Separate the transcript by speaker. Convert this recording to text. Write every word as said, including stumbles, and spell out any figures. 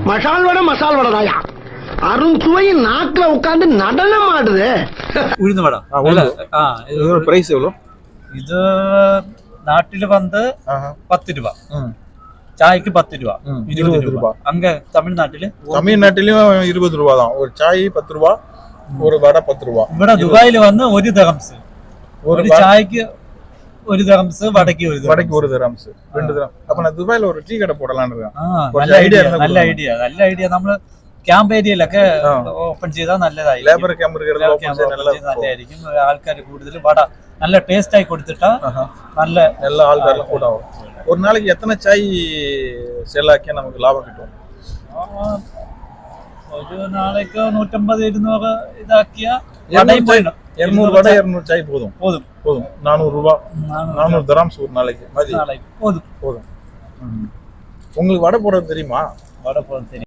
Speaker 1: மசால் வடை மசால் வடை தாயா அருண் சுவையின் நாக்குல உட்கார்ந்து நடனம் ஆடுது.
Speaker 2: உளுந்து வடை
Speaker 3: பிரைஸ் எவ்வளோ?
Speaker 2: இது நாட்டில் வந்து பத்து ரூபா, சாய்க்கு பத்து ரூபா, இருபது ரூபா. அங்க தமிழ்நாட்டில
Speaker 3: தமிழ்நாட்டிலும் இருபது ரூபா தான். ஒரு சாய் பத்து ரூபா, ஒரு வடை பத்து ரூபா.
Speaker 2: ഇവിടെ ദുബായിൽ വന്ന് ഒരു ദറംസ്, ஒரு சாய்க்கு ஒரு தரம்ஸ், வடைக்கு ஒரு
Speaker 3: வடைக்கு ஒரு தரம்ஸ், ரெண்டு தரம். அப்ப நான் துபாயில ஒரு டீ கடை போடலாம்னு இருக்கேன்.
Speaker 2: நல்ல ஐடியா, நல்ல ஐடியா, நல்ல ஐடியா. നമ്മൾ ക്യാമ്പ് ഏരിയയിലൊക്കെ ഓപ്പൺ ചെയ്താൽ നല്ലതായി.
Speaker 3: ലേബർ ക്യാമ്പ്
Speaker 2: നല്ലതായിരിക്കും. ആൾക്കാർ കൂടുതൽ വട നല്ല ടേസ്റ്റ് ആയി കൊടുത്തിട്ടാ നല്ല
Speaker 3: நல்ல ஆள்காரெல்லாம் கூட ஆகும். ஒரு நாளைக்கு எத்தனை சாய் சேல் ஆக்கியா நமக்கு லாபம் கிட்டும்?
Speaker 2: ഒരു നാளைக்கு നൂറ്റമ്പത് ഇരുന്നൂറ് ഇതാക്കിയാ
Speaker 3: இருநூறு வடை இருநூறு சாய் போதும்
Speaker 2: போதும்
Speaker 3: போதும் நானூறு ரூபாய், நானூறு தராம்ஸ் ஒரு நாளைக்கு
Speaker 2: நாளைக்கு போதும்
Speaker 3: போதும். உங்களுக்கு வடை போடுறது தெரியுமா?
Speaker 2: வடை போடுறது தெரியும்.